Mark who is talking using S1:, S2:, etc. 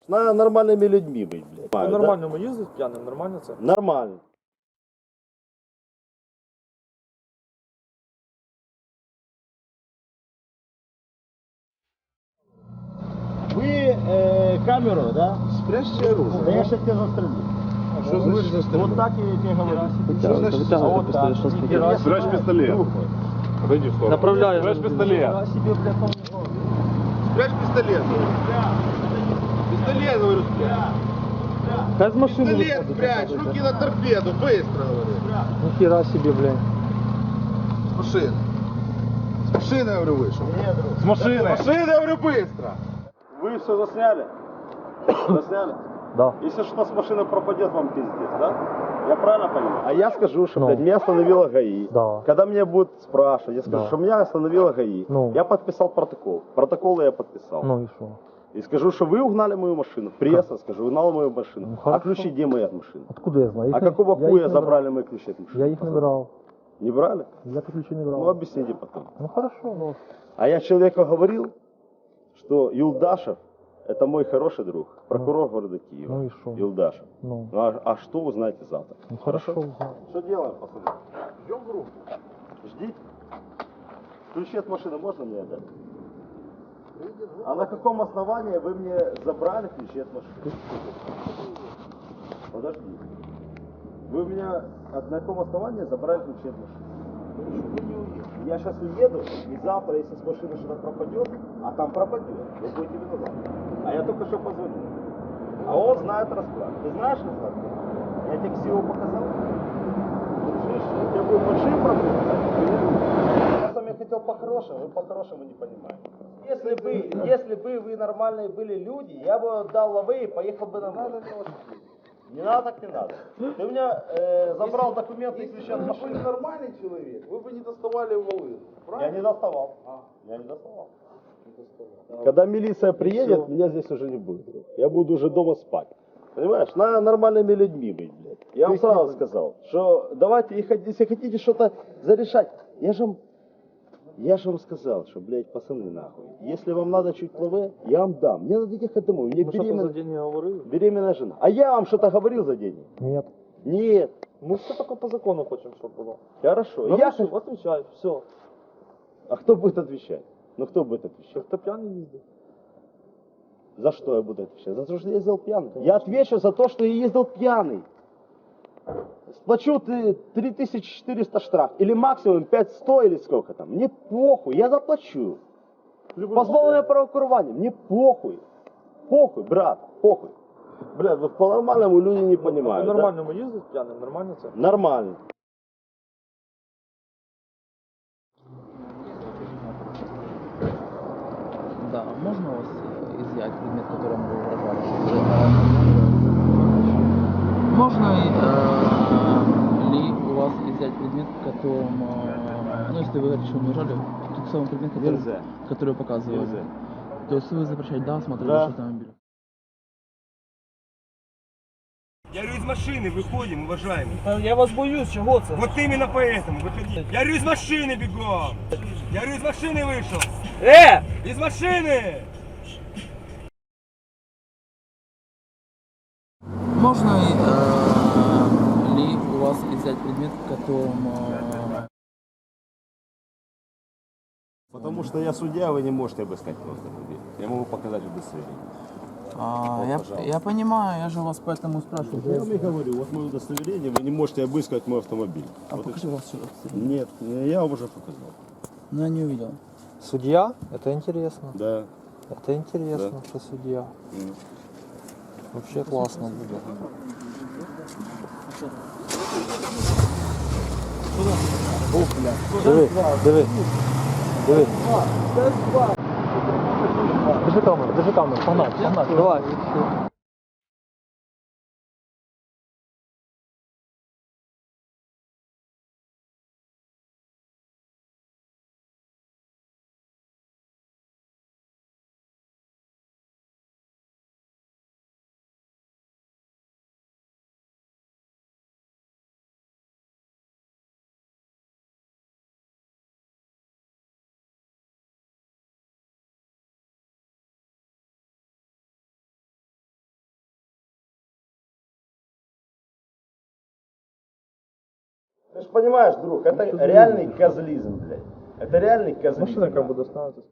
S1: Надо нормальными людьми быть, блядь.
S2: По нормальному їздить п'яним, нормально це?
S1: Нормально. Вы камеру, да?
S3: Спрячьте оружие.
S1: Да я сейчас тебя застрелю.
S3: Что значит застрелить?
S1: Вот так я тебе говорю.
S3: Вытягивай пистолет. Спрячь пистолет. Отойди в сторону.
S2: Направляю.
S3: Спрячь пистолет. Спрячь пистолет. Пистолет, говорю, спрячь.
S2: Без машини
S3: Пистолет
S2: виходить.
S3: спрячь. Руки на торпеду. Быстро, говорю.
S2: Ніхіра собі, блядь.
S3: С машины. С машины, говорю, вышел.
S1: С
S3: С машины, говорю, быстро.
S1: Вы все засняли? Засняли?
S2: Да.
S1: Если что с машины пропадет, вам пиздец, да? Я правильно понимаю? А я скажу, что, блядь, меня остановила ГАИ.
S2: Да.
S1: Когда меня будут спрашивать, я скажу,
S2: Да.
S1: что меня остановила ГАИ.
S2: Ну.
S1: Я подписал протокол. Протокол я подписал.
S2: Ну і що?
S1: И скажу, что вы угнали мою машину. Пресса, скажу, угнала мою машину.
S2: Ну,
S1: А
S2: хорошо.
S1: ключи где мои от машины?
S2: Откуда я знаю?
S1: А какого
S2: я
S1: хуя
S2: їх не
S1: забрали мои ключи от машины?
S2: брав. Я їх не брав.
S1: Не брали?
S2: Я ключі не
S1: Ну
S2: брав.
S1: объясните потом.
S2: Ну хорошо, ну.
S1: А я человеку говорил, что Юлдашев это мой хороший друг, прокурор города Киева.
S2: Ну и шо?
S1: Юлдашев.
S2: Ну.
S1: А что узнаете завтра?
S2: Ну хорошо, узнал.
S1: Что делаем, пацаны? Ждем группу. Ждите. Ключи от машины можно мне отдать? А на каком основании вы мне забрали ключи от машины? Подожди. Вы у меня на каком основании забрали ключи от машины? Я сейчас уеду, и завтра, если с машины что-то пропадет, а там пропадет, вы будете виноваты. А я только что позвонил. А он знает расклад. Ты знаешь расклад? Я тебе ксиву показал? Слышишь, у тебя будет большие проблемы. Я с вами хотел по-хорошему, вы по-хорошему не понимаете. Если бы вы нормальные были люди, я бы дал лавы и поехал бы на надо. Не надо, так не надо. Ты у меня забрал документы и ключи от
S3: Вы
S1: машины.
S3: были нормальный человек, вы бы не доставали волыну.
S1: Я не доставал. Я не доставал. Когда милиция приедет, меня здесь уже не будет. Я буду уже дома спать. Понимаешь, надо нормальными людьми быть, блядь. Я вам сразу сказал, что давайте, если хотите что-то зарешать, я же вам сказал, что, блядь, пацаны, нахуй, если вам надо чуть плаве, я вам дам. Мне надо ехать домой. Мне
S2: Ми що то за деньги говорили?
S1: беременная жена. А я вам что-то говорил за деньги?
S2: Нет.
S1: Нет.
S2: Ми все тільки по закону хочемо, щоб було.
S1: Хорошо.
S2: Ну,
S1: Я...
S2: отвечаю, все.
S1: А кто будет отвечать? Ну кто будет отвечать?
S2: Що хто п'яний їздить?
S1: За что я буду отвечать? За то, что я ездил пьяный. Я отвечу за то, что я ездил пьяный. Сплачу 3400 штраф. Или максимум 5100 или сколько там. Мне похуй, я заплачу. Позбавление правокурвания. Мне похуй. Похуй, брат, похуй. Блядь, вот по-нормальному люди не
S2: По
S1: понимают.
S2: нормальному їздить п'яним, нормально це?
S1: Да? Нормально.
S4: Да, можно у вас изъять предмет, которым вы угрожали? Можно ли у вас изъять предмет, которым, ну если вы говорите, что не угрожали, тот самый предмет,
S1: Нельзя.
S4: который вы показывали?
S1: Нельзя.
S4: То есть вы запрещаете, да, смотреть
S1: Да.
S4: ваш автомобиль?
S5: Я говорю, из машины выходим, уважаемый.
S2: Я вас боюсь, чого це?
S5: Вот именно поэтому выходи. Я говорю, из машины бегом. Я говорю, из машины вышел. Из машины!
S4: Можно ли у вас изъять предмет, которым...
S1: Потому что я судья, вы не можете обыскать мой автомобиль. Я могу показать удостоверение.
S4: я понимаю, я же вас поэтому спрашиваю.
S1: Я вам и говорю, вот мое удостоверение, вы не можете обыскать мой автомобиль.
S4: А
S1: Вот и
S4: покажи
S1: всё.
S4: вас сюда.
S1: Нет, я вам уже показал.
S4: Ну, я не увидел.
S2: Суддя? Это интересно.
S1: Да.
S2: Это интересно, что судья. Вообще классно будет. Диви, диви. Диви. Держи камеру, погнали, давай.
S1: Ты же понимаешь, друг, это реальный козлизм, блядь. Это реальный козлизм.
S2: Машина как бы достанется.